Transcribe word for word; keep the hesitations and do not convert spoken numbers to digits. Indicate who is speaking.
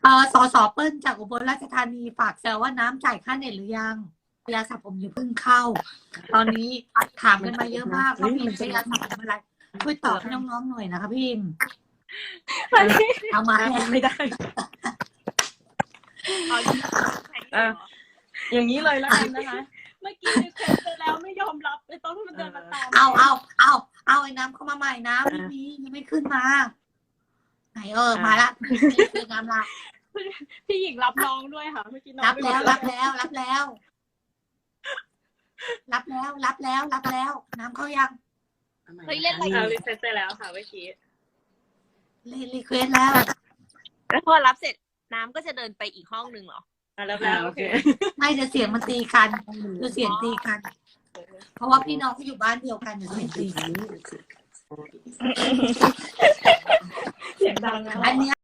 Speaker 1: เออสอสอเปิ้ลจากอุบลราชธานีฝากแซวว่าน้ำจ่ายค่าเน็ตหรือยังยาสระผมอย่าเพิ่งเข้า ตอนนี้ถามกันมาเยอะมากว่าพี่ใช้ยาสระผมอะไรช่วยตอบให้น้องๆหน่อยนะคะพี่เอามา
Speaker 2: ไม่ได้
Speaker 3: เอาอย่างนี้
Speaker 2: อ่ะอย่างนี้เลยแล้วกันนะคะ
Speaker 3: เมื่อกี้รีเควสไปแล้วไม่ยอมรับไอ้ต้นที่มันเดินมาตาม
Speaker 1: เอาเอาเอาเอาไอ้น้ำเข้ามาใหม่นะไม่มียังไม่ขึ้นมาไหนเออมาละคือน้ำละ
Speaker 3: พี่หญิงรับน้องด้วยค่ะเมื่อกี้น้อง
Speaker 1: รับแล้วรับแล้วรับแล้ว รับแล้วรับแล้วรับแล้ว น้ำเข้ายัง
Speaker 3: เฮ้ยเล่นอะไร
Speaker 2: อ่ารีเซ็ตไปแล้วค่ะเมื่อกี้
Speaker 1: รีรีเควสแล้ว
Speaker 4: แล้วพอรับเสร็จน้ำก็จะเดินไปอีกห้องหนึ่งเหรอ
Speaker 2: อ่ะแล้วแล้วโอเค
Speaker 1: ไม่เดี๋ยวเสียงมันตีกันเดี๋ยวเสียงตีกัน เพราะว่าพี่น้องเขาอยู่บ้านเดียวกันเดี๋ยวเสียงตีกัน
Speaker 2: เสียงดังนะ
Speaker 1: อันเนี้ย